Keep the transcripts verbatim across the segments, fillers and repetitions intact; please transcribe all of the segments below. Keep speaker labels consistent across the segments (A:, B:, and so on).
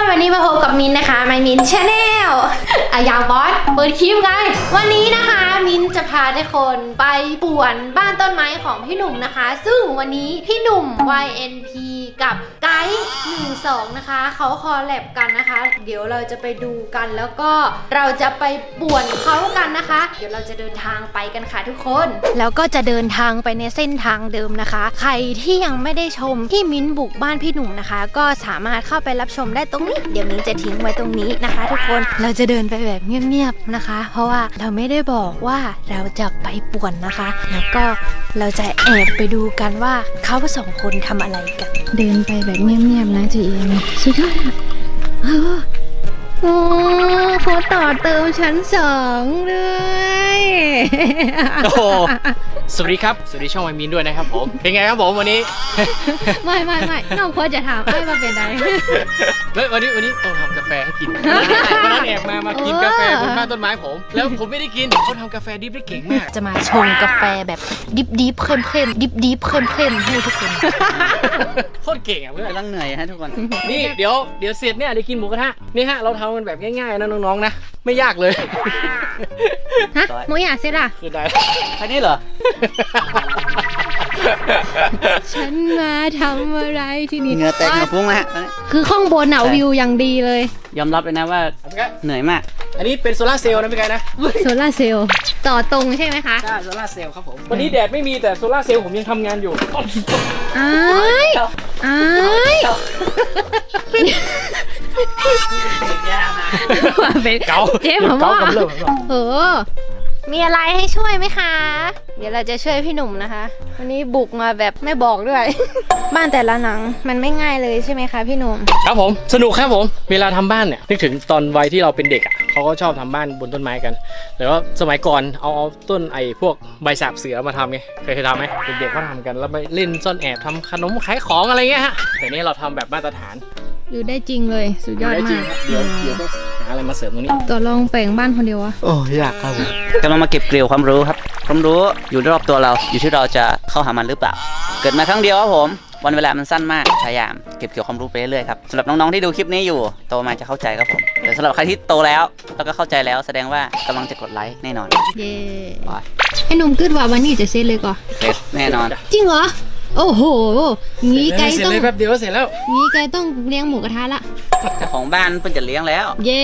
A: วันนี้มาพบกับมินนะคะไมมินชาแนลอายาวบอสเปิดคลิปไงวันนี้นะคะมินจะพาทุกคนไปป่วนบ้านต้นไม้ของพี่หนุ่มนะคะซึ่งวันนี้พี่หนุ่ม วาย เอ็น พี กับไกด์หนึ่งสองนะคะเขาคอลแลบกันนะคะเดี๋ยวเราจะไปดูกันแล้วก็เราจะไปป่วนเขากันนะคะเดี๋ยวเราจะเดินทางไปกันค่ะทุกคนแล้วก็จะเดินทางไปในเส้นทางเดิมนะคะใครที่ยังไม่ได้ชมที่มินบุกบ้านพี่หนุ่มนะคะก็สามารถเข้าไปรับชมได้ตรงนี้เดี๋ยวมินจะทิ้งไว้ตรงนี้นะคะทุกคนเราจะเดินไปแบบเงียบๆนะคะเพราะว่าเราไม่ได้บอกว่าเราจะไปป่วนนะคะแล้วก็เราจะแอบไปดูกันว่าเขาสองคนทำอะไรกันเดินไปแบบเงียบๆนะจีเอ็มสุดยอดอ่ะโอ้เขาต่อเติมชั้นสองเลย
B: โอ้สวัสดีครับสวัสดีช่องไมมินด้วยนะครับผมเป็นไงครับผมวันนี้
A: ไม่ไม่ไม่น้องพอจะถามไอ้มาเป็นไร
B: เฮ้ยวันนี้วันนี้ต้องทำกาแฟให้กินวันนั้นแอบมามากินกาแฟบนบ้านต้นไม้ผมแล้วผมไม่ได้กินเขาทำกาแฟดิบได้เก่งมาก
A: จะมาชงกาแฟแบบดิบดิบเข้มเข้มดิบดิบเข้มเข้มให้ทุกคน
B: โคตรเก่งอ่ะเพื่อน
C: กำลังเหนื่อยฮะทุกคน
B: นี่เดี๋ยวเดี๋ยวเสร็จเนี่ยเดี๋ยวกินหมูกระทะนี่ฮะเราทำมันแบบง่ายๆนะน้องๆนะไม่ยากเลย
A: ฮะหมูอยากเสร็จอ่ะ
B: คือได้
C: แค่นี้เหรอ
A: ฉันมาทำอะไรที่นี่
C: เหงื่อแตกเหงื่อฟุ้งนะฮะ
A: คือข้างบนหนาววิวอย่างดีเลย
C: ยอมรับเลยนะว่าเหนื่อยมาก
B: อันนี้เป็นโซลาร์เซลล์นะพี่ไก่นะ
A: โซลาร์เซลล์ต่อตรงใช่ไหมคะ
B: ใช่โซลาร์เซลล์ครับผมวันนี้แดดไม่มีแต่โซลาร์เซลล์ผมยังทำงานอยู่
A: อ้ายอ้าย
B: เก่า
A: เจ๊ผมว่าเออมีอะไรให้ช่วยไหมคะเดี๋ยวเราจะช่วยพี่หนุ่มนะคะวันนี้บุกมาแบบไม่บอกด้วย บ้านแต่ละหลังมันไม่ง่ายเลยใช่ไหมคะพี่หนุ่ม
B: ครับผมสนุกครับผมเวลาทำบ้านเนี่ยนึกถึงตอนวัยที่เราเป็นเด็กอ่ะเขาก็ชอบทำบ้านบนต้นไม้กันแต่ว่าสมัยก่อนเอาเอาต้นไอ้พวกใบสาบเสือมาทำไงเคยเคยทำไหมเด็กๆก็ทำกันแล้วไปเล่นซ่อนแอบทำขนมขายของอะไรเงี้ยฮะแต่นี้เราทำแบบมาตรฐาน
A: อยู่ได้จริงเลยสุดยอดมาก
B: เดี๋ยวเดี๋ยวต้องหาอะไรมาเสริมตรงนี้
A: ตัวลองแปลงบ้านคนเดียวอะ
C: โอ้ยากครับผมกำลังมาเก็บเกลียวความรู้ครับความรู้อยู่รอบตัวเราอยู่ที่เราจะเข้าหามันหรือเปล่าเกิดมาครั้งเดียวครับผมวันเวลามันสั้นมากพยายามเก็บเกี่ยวความรู้ไปเรื่อยๆครับสำหรับน้องๆที่ดูคลิปนี้อยู่โตมาจะเข้าใจครับผมแต่สำหรับใครที่โตแล้วแล้วก็เข้าใจแล้วแสดงว่ากำลังจะกดไลค์แน่นอน
A: เย้ไอ้หนุ่มคิดว่าวันนี้จะเสร็จเลยก่อน
C: เสร็จแน่นอน
A: จริงเหรอโอ้โหงี้ไกต้อง
B: เสร็จเลยแป๊บเดียวก็เสร็จแล้ว
A: งี้ไกต้องเลี้ยงหมูกระทะละ
C: เจ้าของบ้านเพิ่งจะเลี้ยงแล้ว
A: เย้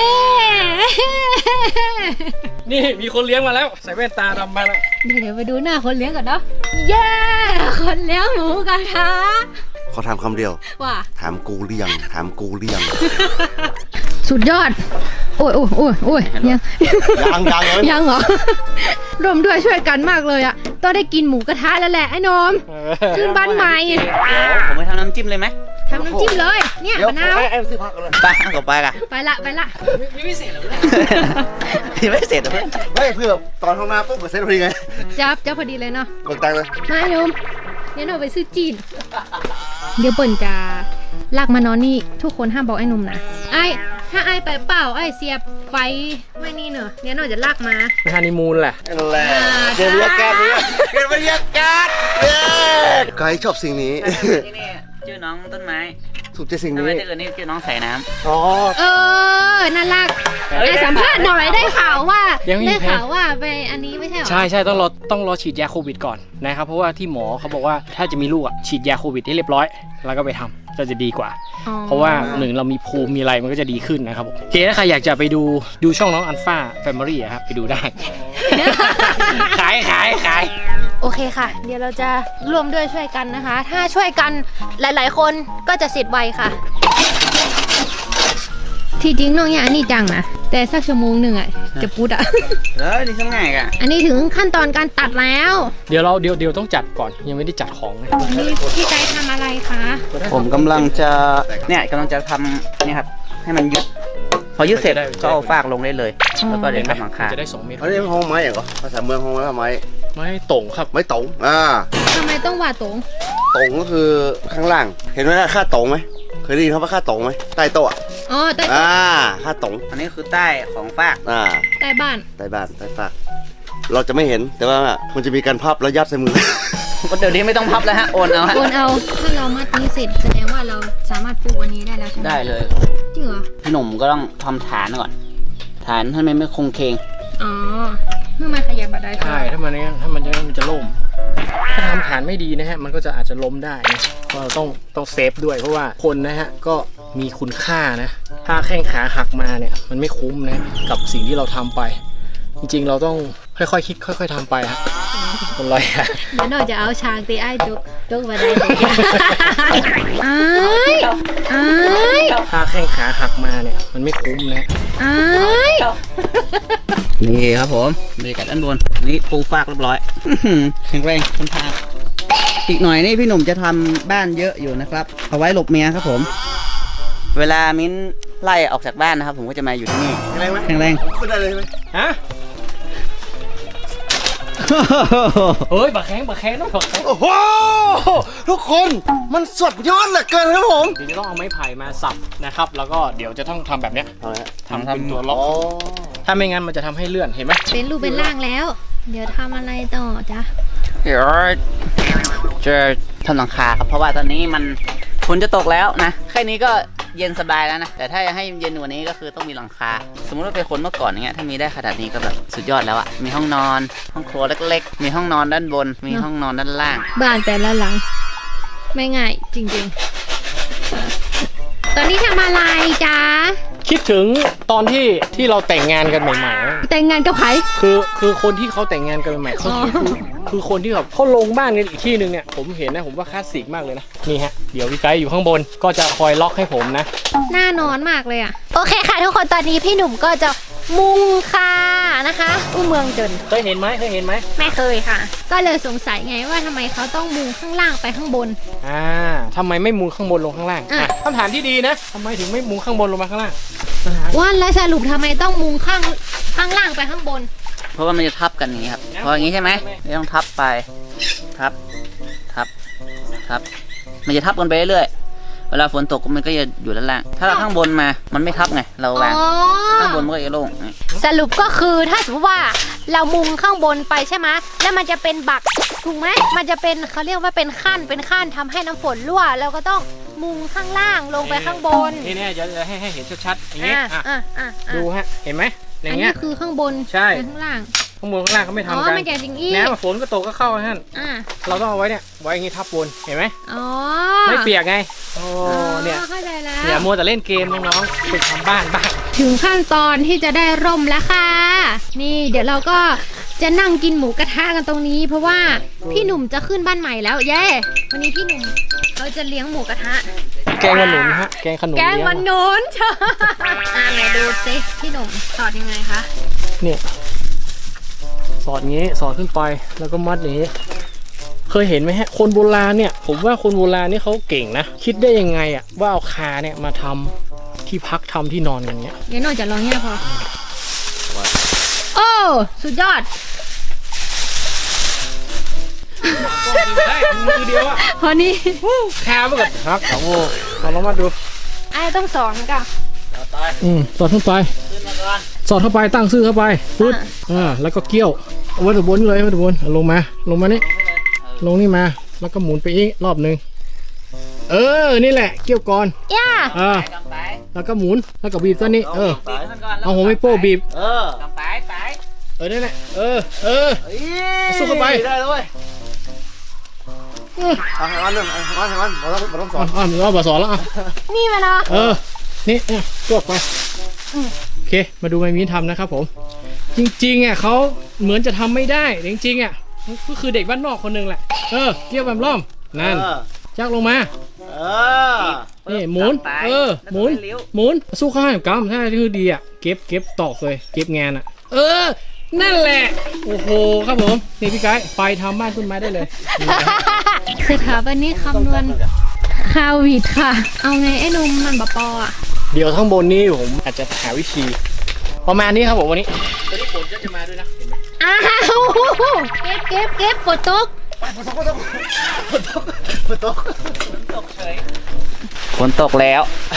B: นี่มีคนเลี้ยงมาแล้วใส่แว่นตาดำมาแล้ว
A: เดี๋ยวไปดูหน้าคนเลี้ยงก่อนเนาะเย้คนเลี้ยงหมูกระทะ
D: เขาถามคำเดียว
A: ว่า
D: ถามกูเลี้ยงถามกูเลี้ยง
A: สุดยอดโอ้ยโอ้ยโอ้ยโอ้ยยัง
D: ยังยังเลย
A: ยังเหรอรวมด้วยช่วยกันมากเลยอะต้องได้กินหมูกระทะแล้วแหละไอ้นมขึ้นบ้านใหม่
C: ผมไปทำน้ำจิ้มเลยไหม
A: ทำน้ำจิ้มเลยเนี่ยมะนาว
D: ไอ้ซื้อผักเลย
C: ไปก็ไปกัน
A: ไปละไปละ
B: ยังไม่เสร็จหรอ
C: ยังไม่เสร็จเลย
D: ไม่เพื่อตอนเข้ามาปุ๊บเสร็จพอดีไง
A: จับจับพอดีเลยเนาะ
D: กดตังเลย
A: มาโยมเดี๋ยวหนูไปซื้อจีนเดี๋ยวเปิ่นจะลากมานอนนี่ทุกคนห้ามบอกไอ้นุ่มนะไอ้ถ้าไอ้ไปเปล่าไอ้เสียบไฟไว้นี่เนอะเดี๋ยวหนูจะลากมา
B: ไปฮันนีมูนแหละ
D: นั่นแหละเกิดบรรยากาศเลยเกิดบรรยากาศไกด์ชอบสิ่งนี้
C: ชื่อน้องต้นไม้
D: ถูกใจสิ่งนี้
C: ทำไมตื่นนี่ชื่อน้องใส่น้ำ
D: อ๋อ
A: เออน่ารักไอ้สัมภาษณ์หน่อยได้ข่าวว่าได้ข่าวว่าไปอันนี้ไม่ใช่หรอ
B: ใช่ใช่ต้องรอต้องรอฉีดยาโควิดก่อนนะครับเพราะว่าที่หมอเขาบอกว่าถ้าจะมีลูกอ่ะฉีดยาโควิดให้เรียบร้อยแล้วก็ไปทำก็จะดีกว่าเพราะว่าหนึ่งเรามีภูมิมีอะไรมันก็จะดีขึ้นนะครับผมโอเคถ้าใครอยากจะไปดูดูช่องน้องอัลฟาแฟมิลี่ครับไปดูได้ขายขายขาย
A: โอเคค่ะเดี๋ยวเราจะร่วมด้วยช่วยกันนะคะถ้าช่วยกันหลายๆคนก็จะเสร็จไวค่ะที่จริงน้องอย่างนี้จังนะแต่สักชั่วโมงหนึ่งอ่ะจะพูดอ่ะ
C: เออนี่ช่างง่ายอ่ะ
A: อันนี้ถึงขั้นตอนการตัดแล้ว
B: เดี๋ยวเราเดี๋ยวเดี๋ยวต้องจัดก่อนยังไม่ได้จัดของนะ
A: นี่พี่ไกด์ทำอะไรคะ
C: ผมกำลังจะเนี่ยกำลังจะทำเนี่ยครับให้มันยึดพอยึดเสร็จก็เอาฟากลงได้เลยแล้วก็เดี๋ยวทำหลังคา
B: จะได้สองเมตร
D: อันนี้ห้องไม้เหรอภาษาเมืองห้องไม้ไม้
B: ไม้ตงครับ
D: ไม้ตงอ่า
A: ทำไมต้องว่าตง
D: ตงก็คือข้างล่างเห็นไหมค่าตงไหมเคยได้ยินเขาว่าค่าตงไหมใต้โต๊ะ
A: อ๋อใต้โต๊ะ
D: อ่าค่าตง
C: อันนี้คือใต้ของฟาก
D: อ่า
A: ใต้บ้าน
D: ใต้บ้านใต้ฟากเราจะไม่เห็นแต่ว่ามันจะมีการพับแล้วยัดใส่มือ
C: ก็เดี๋ยวนี้ไม่ต้องพับแล้วฮะโอนเอา
A: โอนเอาถ้าเรามัดนี้เสร็จแสดงว่าเราสามารถปลูกวันนี้ได้แล้วใช่ไหม
C: ได้เลย
A: จริงเหรอ
C: พี่หนุ่มก็ต้องทำฐานก่อน ฐานให้มันไม่คงเคง
A: อ๋อเมื่อมันขยับมาได้
B: ใช่ถ้ามันเนี่ยถ้ามันจะมันจะล่ม ถ้าทำฐานไม่ดีนะฮะมันก็จะอาจจะล้มได้นะก็เราต้องต้องเซฟด้วยเพราะว่าคนนะฮะก็มีคุณค่านะถ้าแข้งขาหักมาเนี่ยมันไม่คุ้มนะกับสิ่งที่เราทำไป จริงๆเราต้องค่อยๆคิดค่อยๆทำไปฮะคนลอยอะ
A: เดี๋ยวหน่อยจะเอาช้างตีไอ้จุกจุกมาได้เลยไอ้ไอ้
B: ถ้าแข้งขาหักมาเนี่ยมันไม่คุ้มนะ
A: ไอ้
C: นี่ครับผมบรรยากาศด้านบนนี่ปูฟากเรียบร้อยอื้อหือแข็งแรงทนทานอีกหน่อยนี่พี่หนุ่มจะทำบ้านเยอะอยู่นะครับเอาไว้หลบเมียครับผม เวลามิ้นไล่ออกจากบ้านนะครับผมก็จะมาอยู่ที่นี่
D: แข็งแรงไหม
C: แข็งแรง
D: ขึ้นได้เลยไหม
B: ฮะเฮ้ยบักแข้งบักแข้งต้องบักแข้ง
D: โอ้โหทุกคนมันสดยอดเหลือเกินครับผม
B: เดี๋ยวจะต้องเอาไม้ไผ่มาสับนะครับแล้วก็เดี๋ยวจะต้องทำแบบเนี้ยทำเป็นตัวล็อก
D: อ๋อ
B: ถ้าไม่งั้นมันจะทำให้เลื่อนเห็นไหม
A: เป็นรูปเป็นร่างแล้ว เดี๋ยวทำอะไรต่อจ๊ะ
C: เดี๋ยวจะทำหลังคาครับเพราะว่าตอนนี้มันฝนจะตกแล้วนะแค่นี้ก็เย็นสบายแล้วนะแต่ถ้าจะให้เย็นกว่านี้ก็คือต้องมีหลังคา สมมติว่าเป็นคนเมื่อก่อนอย่างเงี้ยถ้ามีได้ขนาดนี้ก็แบบสุดยอดแล้วอะมีห้องนอนห้องครัวเล็กๆ มีห้องนอนด้านบน มีห้องนอนด้านล่าง
A: บ้านแต่ละหลัง ไม่ง่ายจริงๆ ตอนนี้ทำอะไรจ๊ะ
B: คิดถึงตอนที่ที่เราแต่งงานกันใหม่ๆนะ
A: แต่งงานกับใคร
B: คือคือคนที่เขาแต่งงานกันใหม่ๆเขา
A: อ๋อ
B: คือคือคนที่แบบเขาลงบ้านกันอีกที่หนึ่งเนี่ยผมเห็นนะผมว่าคลาสสิกมากเลยนะนี่ฮะเดี๋ยวพี่ไกด์อยู่ข้างบนก็จะคอยล็อกให้ผมนะ
A: น่านอนมากเลยอ่ะ โอเคค่ะทุกคนตอนนี้พี่หนุ่มก็จะมุงค่ะนะคะอู้เมืองจน
B: เคยเห็นไหมเคยเห็นไหม
A: ไม่เคยค่ะ ก็เลยสงสัยไงว่าทำไมเขาต้องมุงข้างล่างไปข้างบน
B: อ่าทำไมไม่มุงข้างบนลงข้างล่าง
A: อ่ะ
B: อ่ะคำถามที่ดีนะทำไมถึงไม่มุงข้างบนลงมาข้างล่างปัญหา
A: ว่าแล้วสรุปทำไมต้องมุงข้างข้างล่างไปข้างบน
C: เพราะว่ามันจะทับกันอย่างนี้ครับพออย่างนี้ใช่ไหมไม่ต้องทับไปทับทับทับมันจะทับกันไปเรื่อยๆเวลาฝนตกมันก็จะอยู่ด้านล่างถ้าเราข้างบนมามันไม่ทับไงเราวาง
A: อ๋อ
C: ข้างบนมันก็จะโล่ง
A: สรุปก็คือถ้าสมมติว่าเรามุงข้างบนไปใช่ไหมแล้วมันจะเป็นบักถูกไหมมันจะเป็นเขาเรียกว่าเป็นขั้นเป็นขั้นทำให้น้ำฝนรั่วเราก็ต้องมุงข้างล่างลงไปข้างบน
B: นี่เนี่ยจะให้ให้เห็นชัดๆอย่างนี้
A: อ่ะ
B: อ่ะ
A: อ่ะอ่ะอ่ะ
B: ดูฮะเห็นไหมอ
A: อั
B: ย่าน ง
A: นี้
B: เงี้ย
A: คือข้างบน
B: ใช่
A: ไปข้างล่าง
B: ข้างบนข้างล่างเขาไม่
A: อ๋อ
B: ทำกัน
A: มันจะอย่างนี้
B: น้ำฝนก็ตกก็เข้าฮะ
A: อ่ะ
B: เราต้องเอาไว้เนี่ยไว้อย่างนี้ทับบนเห็นไหม
A: อ๋อ
B: ไม่เปียกไงโอ้
A: อ๋อ
B: เนี่ย
A: เข้าใจแล้ว
B: อย่ามัวแต่เล่นเกมน้องๆไปทำบ้านบ้าง
A: ถึงขั้นตอนที่จะได้ร่มแล้วค่ะ นี่เดี๋ยวเราก็จะนั่งกินหมูกระทะกันตรงนี้ เพราะว่าพี่หนุ่มจะขึ้นบ้านใหม่แล้วเย้วันนี้พี่หนุ่มเขาจะเลี้ยงหมูกระทะ
B: แกงขนุนฮะแกงขนุน
A: แกง
B: เลี้ย
A: มันโน้นเชอะอ่าไหนดูสิพี่หนุ่มสอดยังไงคะ
B: เนี่ยสอดงี้สอดขึ้นไปแล้วก็มัดอย่างนี้ เคยเห็นไหมฮะคนโบราณเนี่ยผมว่าคนโบราณนี่เขาเก่งนะคิดได้ยังไงอะว่าเอาคาเนี่ยมาทำที่พักทำที่นอนกันเนี้ย
A: เดี๋ยวหน่อยจะลองเนี่ยพอโอ้สุดยอด
B: ได้มือเดียวอะ
A: พอนี้
B: คาไปกับพักโอ้โหเราลองมาดู
A: ไอ้ต้องสอนกัน
B: อืมสอดเข้าไป
C: ขึ้นมาก่อน
B: สอดเข้าไปตั้งซื่อเข้าไปปุ๊บอ่าแล้วก็เกี่ยวเอาไว้ตบนเลยไว้ตบนลงมาลงมานี่ลงนี่มาแล้วก็หมุนไปอีกรอบหนึ่งเออนี่แหละเกี่ยวก่อน
A: ย่า
B: อ่า
C: กำไป
B: แล้วก็หมุนแล้วก็บีบตัวนี้เออ
C: บีบมันก่อนแล้ว
B: เอาหัวไม่โป้บีบ
C: เออกำไปไป
B: เออนั่นแหละเออเออ สู้เข้าไป
D: ได้เลยเอาให้วันหนึ่งเอาให้วันให้วันเราต้องเราต้องส
B: อ่
D: อ
B: อน นอ่อนเราบาสอนแล้วอ่ะ
A: นี่มาเนาะ
B: เออนี่เนี่ยจวดไปโอเคมาดูไมมีนทำนะครับผมจริงๆอ่ะเขาเหมือนจะทำไม่ได้แต่จริงๆอ่ะก็คือเด็กบ้านนอกคนหนึงแหละเออเกี่ยวแบบล่อมนั่น
D: เออ
B: จักลงมา
D: เออ
B: นี่หมุน
C: กำไป
B: เออหมุน
C: แล้วก็เลี้ยว
B: หมุนสู้ข้างกำถ้าคือดีอ่ะเก็บเก็บตอกเลยเก็บงานอ่ะ เออ นั่นแหละโอ้โหครับผมนี่พี่ไกด์ไปทำบ้านต้นไม้ได้เลย
A: สถาบันนี้คำนวณคาวิดค่ะ เอาไงไอ้หนุ่มมันบะปออ่ะ
B: เดี๋ยวข้างบนนี้ผมอาจจะหาวิธี ประมาณนี้ครับผมวันนี้ตอนนี้ฝนก็จะมาด้วยนะเห็นไหม
A: อ้าวเก็บเก็บเก็บฝนตก
D: ฝนตกฝนตกฝนตกฝนตก
C: ฝนตกแล้ว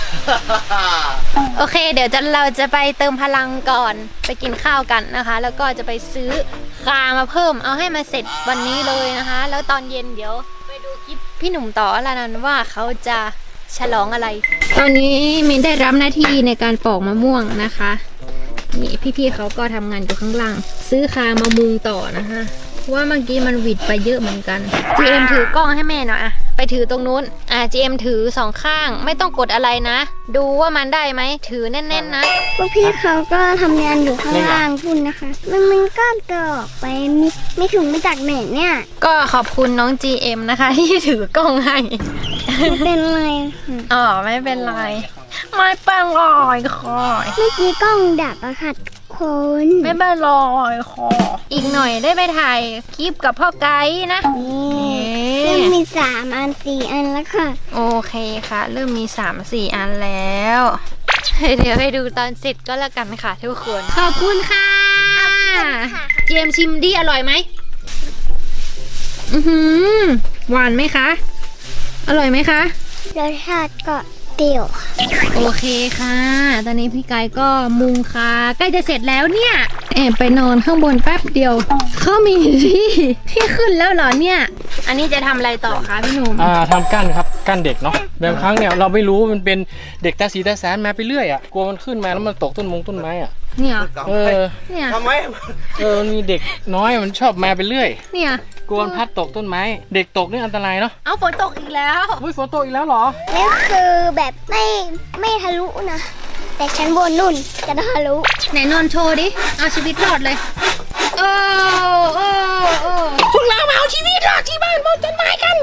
A: โอเค เดี๋ยวจะเราจะไปเติมพลังก่อนไปกินข้าวกันนะคะ แล้วก็จะไปซื้อคามาเพิ่มเอาให้มาเสร็จวันนี้เลยนะคะ แล้วตอนเย็นเดี๋ยวไปดูคลิปพี่หนุ่มต่อแล้วนั้นว่าเขาจะฉลองอะไร ตอนนี้มินได้รับหน้าที่ในการปอกมะม่วงนะคะนี่พี่ๆเขาก็ทำงานอยู่ข้างล่างซื้อคามามุงต่อนะคะว่าเมื่อกี้มันหวิดไปเยอะเหมือนกัน จี เอ็ม ถือกล้องให้แม่หน่อยอะไปถือตรงนู้นอ่ะ จี เอ็ม ถือสองข้างไม่ต้องกดอะไรนะ ดูว่ามันได้ไหมถือแน่นๆนะ
E: พวกพี่เขาก็ทำงานอยู่ข้างล่างพุ่นนะคะ มันมันก็เกิดออกไปมีไม่ถึงมาจากไหนเนี่ย
A: ก็ขอบคุณน้อง จี เอ็ม นะคะ ที่ถือกล้องให้
E: มันเป็นไรค่ะ
A: อ๋อไม่เป็นไรไม่เป็นไรค่ะ
E: เมื่อกี้กล้องดับอะค่ะคน
A: ไม่เป็นไรค่ะอีกหน่อยได้ไปถ่ายคลิปกับพ่อไกด์นะ
E: นี่เริ่มมีสามอันสี่อันแล้วค่ะ
A: โอเคค่ะ เริ่มมี สามสี่ อันแล้ว เดี๋ยวให้ดูตอนเสร็จก็แล้วกันค่ะทุกคน ขอบคุณค่ะ เจมส์ชิมดิอร่อยไหมอือหือหวานไหมคะ อร่อยไหมคะ
E: รสชาติก็เปรี้ยว
A: โอเคค่ะ ตอนนี้พี่ไก่ก็มุงคาใกล้จะเสร็จแล้วเนี่ยแอบไปนอนข้างบนแป๊บเดียวเขามีที่ที่ขึ้นแล้วเหรอเนี่ย อันนี้จะทำอะไรต่อคะพี่หนุ่ม
B: อ่าทำกั้นครับกั้นเด็กเนาะบางครั้งเนี่ยเราไม่รู้มันเป็นเด็กตาสีตาแสนมาไปเรื่อยอ่ะกลัวมันขึ้นมาแล้วมันตกต้นมงต้นไม้อ่ะ
A: เนี่ย
B: เออ
A: เนี่ย
D: ทำไม
B: เออมันมีเด็กน้อยมันชอบมาไปเรื่อย
A: เนี่ย
B: กลัวมันพัดตกต้นไม้ เด็กตกนี่อันตรายเนาะ
A: เอาฝนตกอีกแล้ว
B: อุ้ยฝนตกอีกแล้วเหรอ
E: นี่คือแบบไม่ไม่ทะลุนะ แต่ชั้นบนนุ่นจะทะลุ
A: ไหนนอนโชว์ดิ เอาชีวิตรอดเลยโอ้โอ้โอ้พวกเรามาเอาชีวิตรอดที่บ้านบนต้นไม้กัน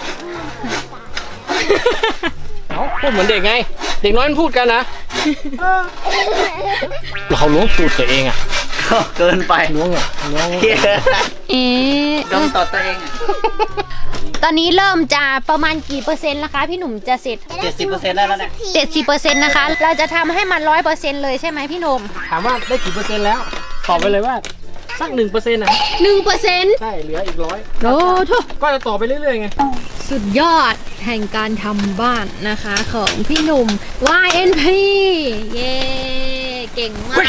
B: เอ้าพูดเหมือนเด็กไง เด็กน้อยมันพูดกันนะเขาล้วงตูดตัวเองอ่ะ
C: ก็เกินไป
B: ล้วงอ่ะล้วง
A: เอ๊ะ
C: ดมตอดตัวเองอะ
A: ตอนนี้เริ่มจะประมาณกี่เปอร์เซ็นต์แล้วคะพี่หนุ่มจะเสร็จ
C: เจ็ดสิบเปอร์เซ็นต์ได้แล้วเนี่ย
A: เจ็ดสิบเปอร์เซ็นต์นะคะ เราจะทำให้มันร้อยเปอร์เซ็นต์เลยใช่ไหมพี่หนุ่ม
B: ถามว่าได้กี่เปอร์เซ็นต์แล้ว ตอบไปเลยว่าสักหนึ่งเปอร์เซ็นต์นะ
A: หนึ่งเปอร์เซ็นต์
B: ใช่เหลืออีกร้อย
A: โอ้โถ
B: ก็จะต่อไปเรื่อยๆไง
A: สุดยอดแห่งการทำบ้านนะคะของพี่หนุ่ม วาย เอ็น พี เย้เก่งมากเลย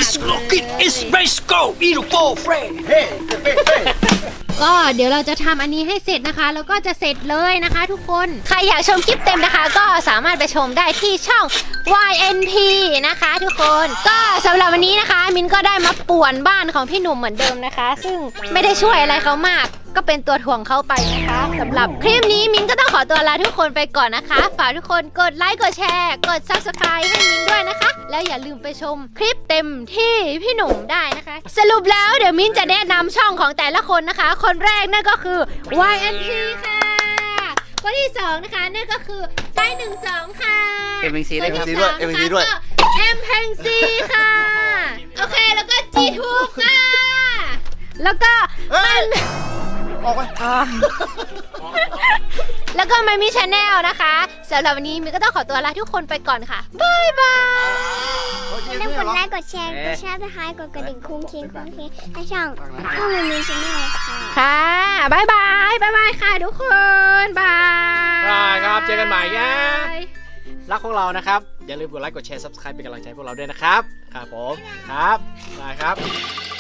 A: ก็เดี๋ยวเราจะทำอันนี้ให้เสร็จนะคะ แล้วก็จะเสร็จเลยนะคะทุกคน ใครอยากชมคลิปเต็มนะคะ ก็สามารถไปชมได้ที่ช่อง วาย เอ็น พี นะคะทุกคน ก็สำหรับวันนี้นะคะ มินก็ได้มาป่วนบ้านของพี่หนุ่มเหมือนเดิมนะคะ ซึ่งไม่ได้ช่วยอะไรเขามาก ก็เป็นตัวถ่วงเขาไปนะคะสำหรับคลิปนี้มินก็ต้องขอตัวลาทุกคนไปก่อนนะคะ ฝากทุกคนกดไลค์กดแชร์กด ซับสไครบ์ ให้มินด้วยนะคะ แล้วอย่าลืมไปชมคลิปเต็มที่พี่หนุ่มได้นะคะ สรุปแล้วเดี๋ยวมินจะแนะนำช่องของแต่ละคนนะคะ คนแรกนั่นก็คือ วาย เอ็น พี ค่ะ คนที่สองนะคะนั่นก็คือไปหนึ่งสองค่ะ
C: เอ็ม ซี
A: ค
C: ได้
A: น
C: ครับ
A: ที่สาม
D: เอ็ม ซี ด้วย
A: นะคะก็เอ็มเพงซีค่ะ โอเคแล้วก็จีทูบค่ะ แล้วก็มัน
D: ออกไป
A: แล้วก็ไม่มีชาแนลนะคะสำหรับวันนี้มินก็ต้องขอตัวลาทุกคนไปก่อนค่ะบายบาย
E: อย่าลืมกดไลค์กดแชร์กดแชร์นะคะกดกระดิ่งคุ้งคิงคุ้งคิงให้ช่องช่องมันมีชแนลค่ะ
A: ค่ะบายบายบายบายค่ะทุกคนบาย
B: ได้ครับเจอกันใหม่นะ รักของเรานะครับ อย่าลืมกดไลค์กดแชร์ ซับสไครบ์เป็นกำลังใจให้พวกเราด้วยนะครับ ครับผม ครับได้ครับ